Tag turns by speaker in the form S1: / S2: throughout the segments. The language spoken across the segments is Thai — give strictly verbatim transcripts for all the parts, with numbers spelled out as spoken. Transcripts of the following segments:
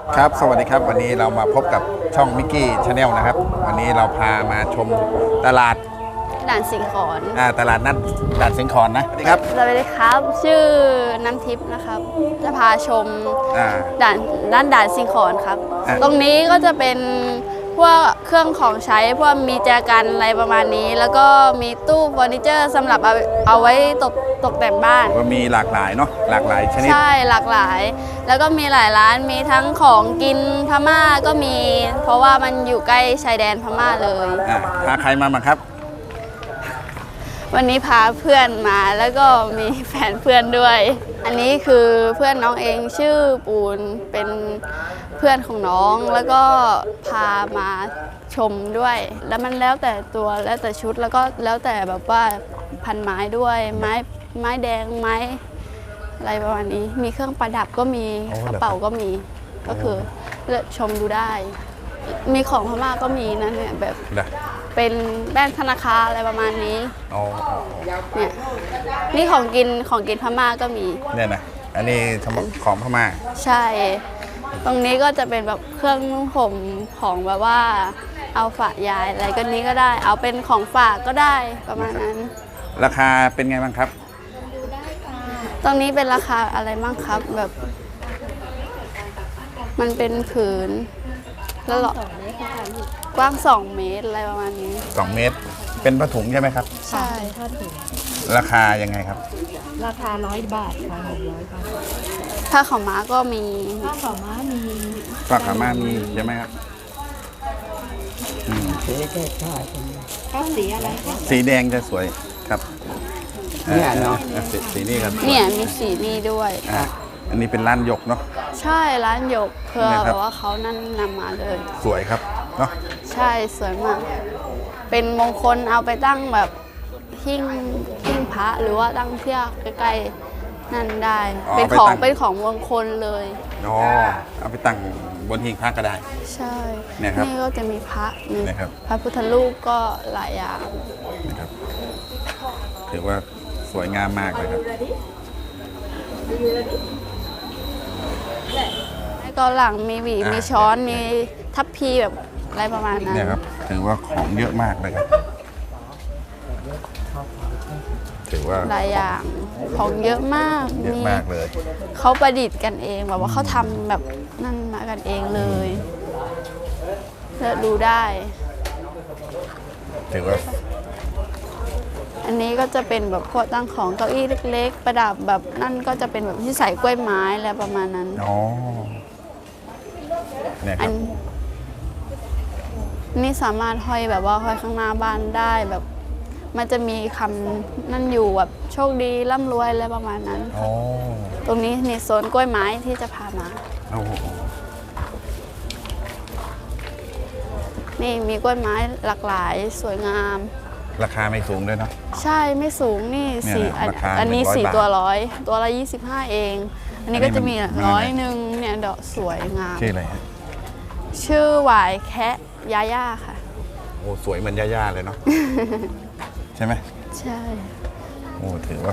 S1: ครับสวัสดีครับวันนี้เรามาพบกับช่องมิกกี้ชาแนลนะครับวันนี้เราพามาชมตลาด
S2: ด่านสิงขร
S1: อ่าตลาดนัดด่านสิงขรนะสวัสดีครับ
S2: สวัสดีครับ ชื่อน้ำทิพย์นะครับ จะพาชมด่านด้านด่านสิงขรครับตรงนี้ก็จะเป็นพวกเครื่องของใช้พวกมีแจกันอะไรประมาณนี้ แล้วก็มีตู้เฟอร์นิเจอร์สำหรับเอาเอาไว้ตกตกแต่งบ้าน
S1: ก็มีหลากหลายเนาะหลากหลายชนิด
S2: ใช่หลากหลาย แล้วก็มีหลายร้านมีทั้งของกินพม่าก็มี เพราะว่ามันอยู่ใกล้ชายแดนพม่าเลย
S1: อ่าพาใครมาบ้างครับ
S2: วันนี้พาเพื่อนมาแล้วก็มีแฟนเพื่อนด้วย อันนี้คือเพื่อนน้องเองชื่อปูนเป็นเพื่อนของน้องแล้วก็พามาชมด้วย แล้วมันแล้วแต่ตัวแล้วแต่ชุดแล้วก็แล้วแต่แบบว่าพันไม้ด้วยไม้ไม้แดงไม้อะไรประมาณนี้มีเครื่องประดับก็มีกระเป๋าก็มีก็คือเลือกชมดูได้ มีของพม่าก็มีนะเนี่ยแบบเป็นแป้งธนาคารอะไรประมาณนี้เนี่ยนี่ของกินของกินพม่าก็มี
S1: เนี่ยนะอันนี้ของพม่า
S2: ใช่ตรงนี้ก็จะเป็นแบบเครื่องนุ่งห่มของแบบว่าเอาฝากยายอะไรก็นี้ก็ได้เอาเป็นของฝากก็ได้ประมาณนั้น
S1: ราคาเป็นไงบ้างครับ
S2: ตรงนี้เป็นราคาอะไรบ้างครับแบบมันเป็นผืนแล้วหรอกว้างสองเมตรอะไรประมาณนี้
S1: สองเมตรเป็นผ้าถุงใช่ไหมครับ
S2: ใช่
S3: ผ้าถุง
S1: ราคายังไงครับ
S3: ราคาร้อยบาทค่ะหกร้อยบาท
S2: ผ้าขาวม้าก็มี
S3: ผ้าขาวม้ามี
S1: ผ้าขาวม้ามีใช่ไหมครับ
S3: สีแก่ผ้าผ้าสีอะไรคะ
S1: สีแดงจะสวยครับ
S3: เนี่ยเนาะ
S1: สีนี้ครับ
S2: เนี่ยมีสีนี้ด้วย
S1: อันนี้เป็นร้านหยกเนาะ
S2: ใช่ร้านหยกเพื่อแบบว่าเขานั่นนำมาเลย
S1: สวยครับเนาะ
S2: ใช่สวยมากเป็นมงคลเอาไปตั้งแบบหิ้งหิ้งพระหรือว่าตั้งเที่ยวใกล้ๆนั่นได้เป็นของเป็นของมงคลเลย
S1: อ๋อเอาไปตั้งบนหิ้งพระก็ได้
S2: ใช่
S1: เนี่ยครับ
S2: นี่ก็จะมีพระมีพระพุทธรูปก็หลายอย่าง
S1: นะครับถือว่าสวยงามมากเลยครับ
S2: แล้วก็หลังมีหวีมีช้อนมีทัพพีแบบอะไรประมาณนั้น
S1: เนี่ยครับถือว่าของเยอะมากเลยครับถือว่า
S2: หลายอย่างของเยอะมาก
S1: เยอะมากเลย
S2: เขาประดิษฐ์กันเองแบบว่าเขาทำแบบนั่นมากันเองเลยเลือกดูได้
S1: ถือว่า
S2: อันนี้ก็จะเป็นแบบพวกตั้งของเก้าอี้เล็กๆประดับแบบนั่นก็จะเป็นแบบที่ใส่กล้วยไม้อะไรประมาณนั้น
S1: อ๋อเนี่ยครับ
S2: นี่สามารถห้อยแบบว่าห้อยข้างหน้าบ้านได้แบบมันจะมีคำนั่นอยู่แบบโชคดีร่ำรวยอะไรประมาณนั้นตรงนี้ในโซนกล้วยไม้ที่จะพามานี่มีกล้วยไม้หลากหลายสวยงาม
S1: ราคาไม่สูงด้วยเนาะ
S2: ใช่ไม่สูงนี่สี่อันนี้สี่ตัวร้อยตัวละยี่สิบห้าเองอันนี้ก็จะมีร้อยหนึ่งเนี่ยดอกสวยงาม
S1: ชื่ออะไรฮะ
S2: ชื่อหวายแคะยาย่าค่ะ
S1: โอ้สวยเหมือนยาย่าเลยเนาะใช่ไหม
S2: ใช่
S1: โอ้ถือว่า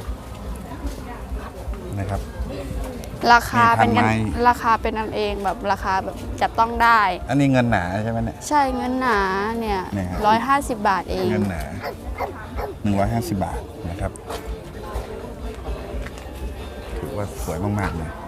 S1: นะครับ
S2: ราคาเป็นกันราคาเป็นอันเองแบบราคาแบบจับต้องได้
S1: อันนี้เงินหนาใช่ไหมเนี่ย
S2: ใช่เงินหนาเนี่ยร้อยห้าสิบบาทเอง
S1: เงินหนาหนึ่งร้อยห้าสิบบาทนะครับถือว่าสวยมากๆเลย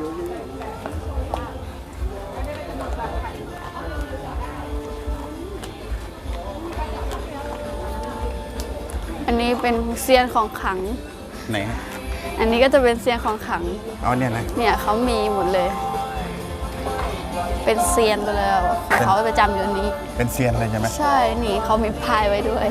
S2: อันนี้เป็นเซียนของขลัง
S1: ไหน
S2: อันนี้ก็จะเป็นเซียนของขลัง
S1: อ๋อเนี่ยนะ
S2: เนี่ยเขามีหมดเลยเป็นเซียนไปเลยเขาประจำอยู่นี้
S1: เป็นเซียนเลยใช่ไหม
S2: ใช่นี่เขามีพายไว้ด้วย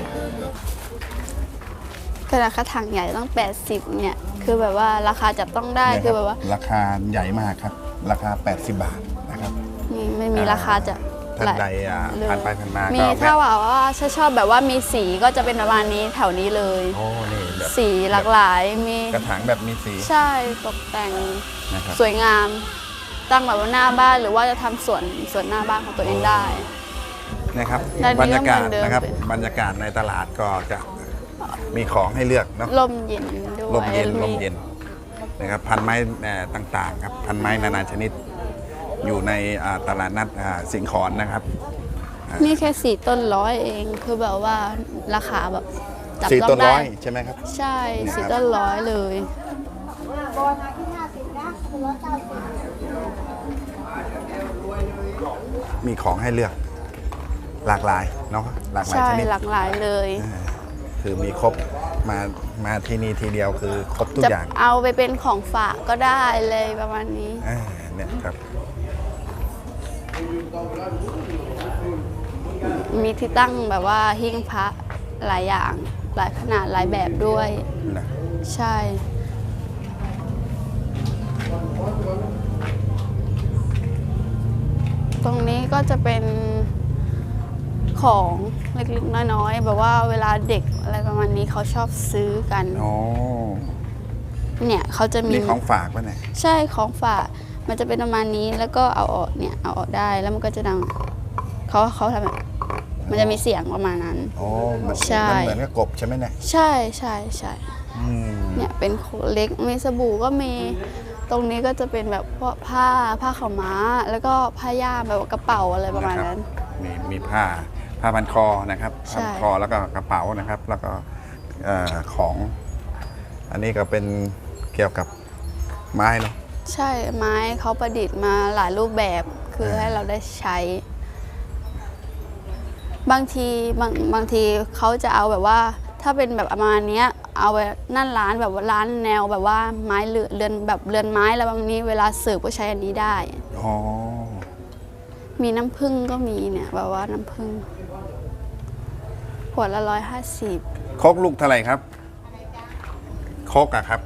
S2: แต่ราคาถังใหญ่ต้องแปดสิบเนี่ยคือแบบว่าราคาจับต้องได้คือแบบว่า
S1: ราคาใหญ่มากครับราคาแปดสิบบาทนะครับ
S2: นี่ไม่มีราคาจะ
S1: ท่านใดผ่านไปผ่านมา
S2: มีถ้าว่าว่าชอบแบบว่ามีสีก็จะเป็นประมาณนี้แถวนี้เลย
S1: โอ้นี่แบบ
S2: สีหลากหลายมี
S1: กระถางแบบมีสี
S2: ใช่ตกแต่งสวยงามตั้งแบบว่าหน้าบ้านหรือว่าจะทำสวนสวนหน้าบ้านของตัวเองได้
S1: นะครับบรรยากาศนะครับบรรยากาศในตลาดก็จะมีของให้เลือกเนาะ
S2: ลมเย็นด้วย
S1: ลมเย็นลมเย็นนะครับพันไม้ต่างๆครับพันไม้นานาชนิดอยู่ในอ่าตลาดนัดอ่าสิงขรนะครับ
S2: นี่แค่สี่ต้นร้อยเองคือแบบว่าราคาแบบจับ
S1: สี่
S2: ต้อง
S1: ต้น
S2: ได้
S1: ร้อยใช่ไหมครับ
S2: ใช่
S1: นี่ครับ
S2: สี่ต้นร้อยเลย
S1: มีของให้เลือกหลากหลายเนาะหลากหลาย
S2: ใช่
S1: ชนิด
S2: หลากหลายเลย
S1: อ่าคือมีครบมามาที่นี่ทีเดียวคือครบทุก
S2: จะ
S1: อย่าง
S2: เอาไปเป็นของฝากก็ได้เลยประมาณนี้
S1: อ่าเนี่ยครับ
S2: มีที่ตั้งแบบว่าหิ้งพระหลายอย่าง หลายขนาดหลายแบบด้วย
S1: นะ
S2: ใช่ ตรงนี้ก็จะเป็นของเล็กๆน้อยๆแบบว่าเวลาเด็กอะไรประมาณนี้เขาชอบซื้อกัน
S1: โอ้
S2: เนี่ยเขาจะมี
S1: นี่ของฝากป่ะเนี่ย
S2: ใช่ของฝากมันจะเป็นประมาณนี้แล้วก็เอาออกเนี่ยเอาออกได้แล้วมันก็จะดังเขาเขาทำแบบมันจะมีเสียงประมาณนั้น
S1: โอ้มัน
S2: ใช่
S1: มันเหมือนกับกบใช่ไหมเนี่ย
S2: ใช่ใช่ใช่
S1: อืม
S2: เนี่ยเป็นเล็กมีสบู่ก็มีตรงนี้ก็จะเป็นแบบพวกผ้าผ้าขาวม้า แล้วก็ผ้าย่ามแบบว่ากระเป๋าอะไรประมาณนั้น
S1: มีมีผ้าผ้าพันคอนะครับ
S2: ใช่
S1: ผ้าพันคอแล้วก็กระเป๋านะครับ แล้วก็เอ่อของ อันนี้ก็เป็นเกี่ยวกับไม้เนาะ
S2: ใช่ไม้เขาประดิษฐ์มาหลายรูปแบบคือให้เราได้ใช้ บางทีบางบางทีเขาจะเอาแบบว่าถ้าเป็นแบบประมาณเนี้ยเอาไปนั่นร้านแบบว่าร้านแนวแบบว่าไม้เรือนเรือนแบบเรือนไม้แล้วบางนี้เวลาเสิร์ฟก็ใช้อันนี้ได้
S1: อ๋อ
S2: มีน้ำผึ้งก็มีเนี่ยแบบว่าน้ำผึ้งขวดละร้อยห้าสิบ
S1: โคกลูกเท่าไหร่ครับโคกอะครับ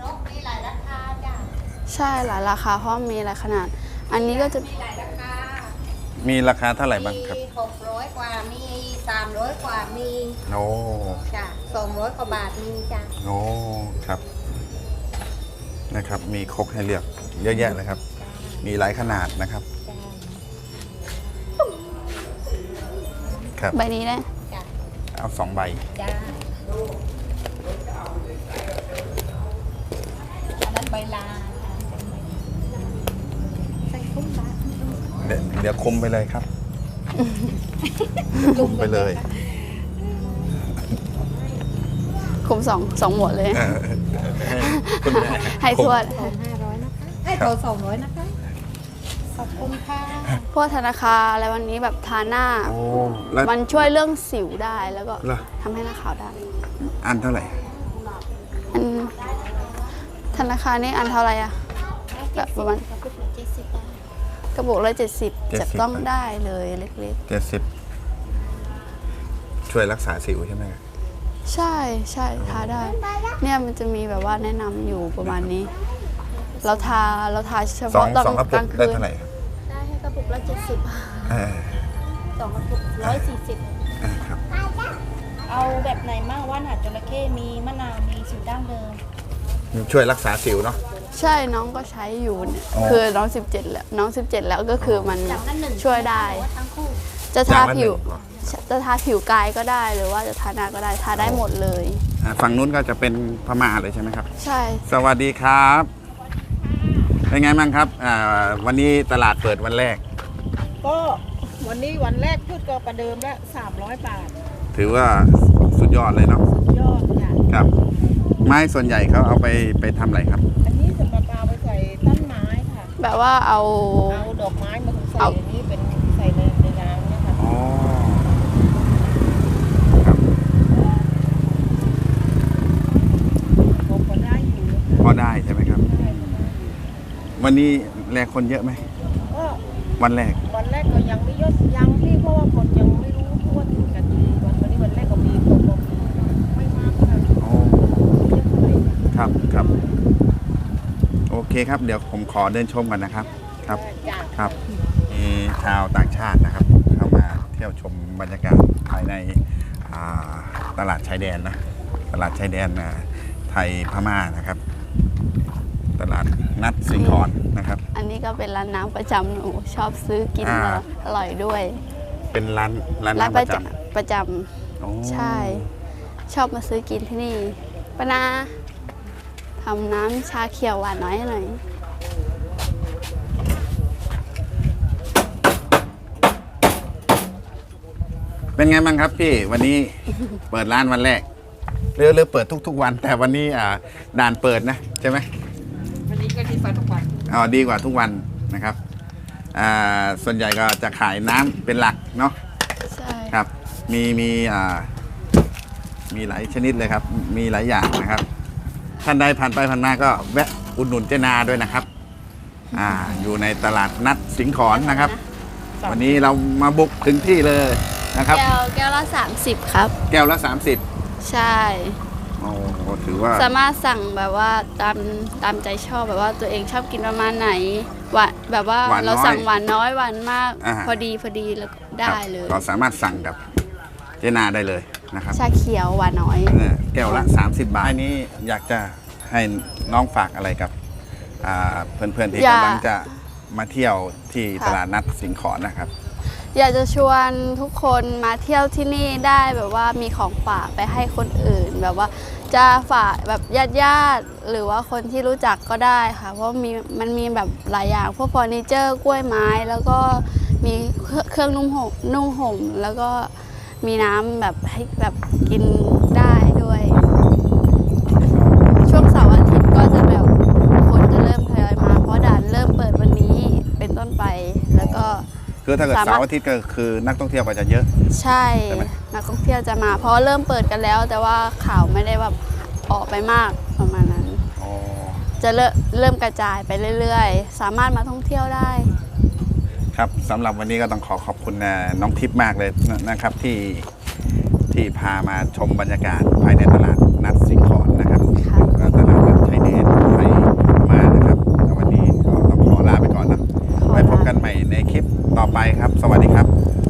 S2: ใช่หลายราคาเพราะมีหลายขนาด อันนี้ก็จะ
S1: มีราคาเท่าไหร่บ้างครับ
S4: มีหกร้อยกว่า มีสามร้อยกว่า มี
S1: โอ้
S4: จ้ะสองร้อยกว่าบาท มีจ้ะ
S1: โอ้ครับนะครับ มีโคกให้เลือกเยอะแยะเลยครับ มีหลายขนาดนะครับ
S4: จ้ะ
S1: ครับ
S2: ใบนี้นะ
S4: จ้ะ
S1: เอาสองใบ
S4: จ้ะอันนั้นใบลานใส่คุ้มบาท
S1: เดี๋ยวเดี๋ยวคุมไปเลยครับ คุมไปเลย
S2: คุมสองสองหมวดเลย
S1: เออให้คุณแม่
S2: ให้ทวด
S4: สองห้าร้อยนะคะไอ้ยโตสองร้อยนะคะ ขอบคุณค่ะ
S2: พวกธนาคารอะไรวันนี้แบบทาหน้า
S1: โอ้แล้ว
S2: มันช่วยเรื่องสิวได้แล้วก็
S1: เหรอ
S2: ทำให้หน้าขาวได้
S1: อันเท่าไหร่
S2: อันธนาคารนี่อันเท่าไหร่อะแบบประมาณกระปุกละเจ็ดสิบจับต้องได้เลยเล็ก
S1: เจ็ดสิบช่วยรักษาสิวใช่ไหม
S2: ๆ ใช่ใช่ทาได้ เนี่ยมันจะมีแบบว่าแนะนำอยู่ประมาณนี้ เราทาเราทาเฉ
S1: สอง
S2: พาะตอน
S1: สองกระ
S2: ก
S1: ปุ
S2: ลาก ง
S1: ได้
S2: คืน
S1: เท่าไหร่ครับ
S4: ได้ให้กระปุกละเจ็ดสิบ
S1: เออ
S4: สองกระปุกร้อยสี่สิบ
S1: เออครับ
S4: เอาแบบไหนมั่งว่านหาดจระเข้มีมะนาว มีสูตรดั้งเดิม
S1: ช่วยรักษาสิวเนาะ
S2: ใช่น้องก็ใช้อยู่เนี่ย
S1: อ๋อ
S2: คือน้องสิบเจ็ดแล้วน้องสิบเจ็ดแล้วก็คือมัน
S4: จากนั้นหนึ่ง
S2: ช่วยได้
S4: ทั้งคู่
S2: จะทา
S1: อย่างละหนึ่ง
S2: ผิว
S1: เหรอ
S2: จะทาผิวกายก็ได้หรือว่าจะทาหน้าก็ได้ทาได้หมดเลย
S1: อ่าฝั่งนู้นก็จะเป็นพม่าเลยใช่ไหมครับ
S2: ใช่
S1: สวัสดีครับ เป็นไงบ้างครับอ่าวันนี้ตลาดเปิดวันแรก
S5: ก็วันนี้วันแรกพืชก็ประเดิมแล้วสามร้อยบาท
S1: ถือว่าสุดยอดเลยเนาะ
S5: ยอดค่ะ
S1: ครับ ไม้ส่วนใหญ่เขาเอาไปไปทำอะไรครับ
S5: อันนี้สำหรับเอาไปใส่ต้นไม้ค่ะ
S2: แบบว่าเอา
S5: เอาดอกไม้มาใส่
S2: เอา
S5: อันนี้เป็นใส่ในในน้ำเนี่ยค่ะ
S1: อ๋อครับ
S5: ผมก็ได้อยู่
S1: พอได้ใช่ไหมครับ วันนี้แลกคนเยอะไหม
S5: ก็
S1: วันแรก
S5: วันแรกก็ยังไม่ยอดยังพี่เพราะว่าคนยังไม่รู้ทั่วถึงกันดีวันวันนี้วันแรกก็มีคนบอกไม่มากค่ะ
S1: โอ้
S5: เยอะเท่าไหร่ค่ะ
S1: ครับครับ โอเคครับ เดี๋ยวผมขอเดินชมกันนะครับ ครับ
S5: จ้ะ
S1: ครับ มีชาวต่างชาตินะครับ เข้ามาเที่ยวชมบรรยากาศภายในอ่าตลาดชายแดนนะ ตลาดชายแดนนะไทยพม่านะครับ ตลาดนัดสิงขรนะครับ
S2: อันนี้ก็เป็นร้านน้ำประจำหนูชอบซื้อกิน
S1: อ่า
S2: แล้วอร่อยด้วย
S1: เป็นร้านร้าน
S2: ร้าน
S1: น้ำ
S2: ป
S1: ประ ระ
S2: จ
S1: จ
S2: ำประจ
S1: ำโอ้
S2: ำใช่ ชอบมาซื้อกินที่นี่ปะนาทำน้ำชาเขียวหวานน้อยให้หน่อย
S1: เป็นไงบ้างครับพี่วันนี้ เปิดร้านวันแรกหรือหรือเปิดทุก ๆ วัน แต่วันนี้อ่าด่านเปิดนะใช่ไหม
S5: วันนี้ก็ดีกว่าทุกวัน
S1: อ๋อดีกว่าทุกวันนะครับอ่าส่วนใหญ่ก็จะขายน้ำเป็นหลักเนาะ
S2: ใช่
S1: ครับมีมีอ่ามีหลายชนิดเลยครับ มีหลายอย่างนะครับ ท่านใดผ่านไปผ่านมาก็แวะอุดหนุนเจนาด้วยนะครับอ่าอยู่ในตลาดนัดสิงขรนะครับ วันนี้เรามาบุกถึงที่เลยนะครับ
S2: แก้วแก้วละสามสิบครับ
S1: แก้วละสามสิบ
S2: ใช่
S1: โอ้ถือว่า
S2: สามารถสั่งแบบว่าตามตามใจชอบแบบว่าตัวเองชอบกินประมาณไหนหวานแบบว่า
S1: หวานน้อย
S2: เราสั่งหวานน้อยหวานมาก
S1: อ่า
S2: พอดีพอดีแล้วก็ได้เลย
S1: เราสามารถสั่งกับเจนาได้เลยนะครับ
S2: ชาเขียวหวานน้อย
S1: เนี่ยแก้วละ สามสิบบาทอันนี้อยากจะให้น้องฝากอะไรกับอ่าเพื่อนๆที่
S2: อยาก
S1: กำลังจะมาเที่ยวที่
S2: ค่ะ
S1: ตลาดนัดสิงขรนะครับ
S2: อยากจะชวนทุกคนมาเที่ยวที่นี่ได้แบบว่ามีของฝากไปให้คนอื่น แบบว่าจะฝากแบบญาติญาติๆหรือว่าคนที่รู้จักก็ได้ค่ะ เพราะมีมันมีแบบหลายอย่างพวกเฟอร์นิเจอร์กล้วยไม้ แล้วก็มีเครื่องนุ่มห่มนุ่งห่มแล้วก็มีน้ำแบบให้แบบกินได้ด้วย ช่วงเสาร์อาทิตย์ก็จะแบบคนจะเริ่มทยอยมาเพราะด่านเริ่มเปิดวันนี้เป็นต้นไปแล้วก็
S1: คือถ้าเกิด
S2: สามารถ
S1: เสาร์อาทิตย์ก็คือนักท่องเที่ยวก็จะเยอะ
S2: ใช่
S1: ใช่ไหม
S2: นักท่องเที่ยวจะมา เพราะเริ่มเปิดกันแล้ว แต่ว่าข่าวไม่ได้แบบออกไปมากประมาณนั้น
S1: อ๋อ
S2: จะเริ่มเริ่มกระจายไปเรื่อยๆ สามารถมาท่องเที่ยวได้
S1: ครับสำหรับวันนี้ก็ต้องขอขอบคุณนะน้องทิพย์มากเลยนะครับที่ที่พามาชมบรรยากาศภายในตลาดนัดสิงขรนะครับ
S2: ค่ะ
S1: ก็ตลาดนัดชายแดนไทยพม่านะครับแล้ววันนี้ก็ต้องขอลาไปก่อนนะไว้พบกันใหม่ในคลิปต่อไปครับ สวัสดีครับ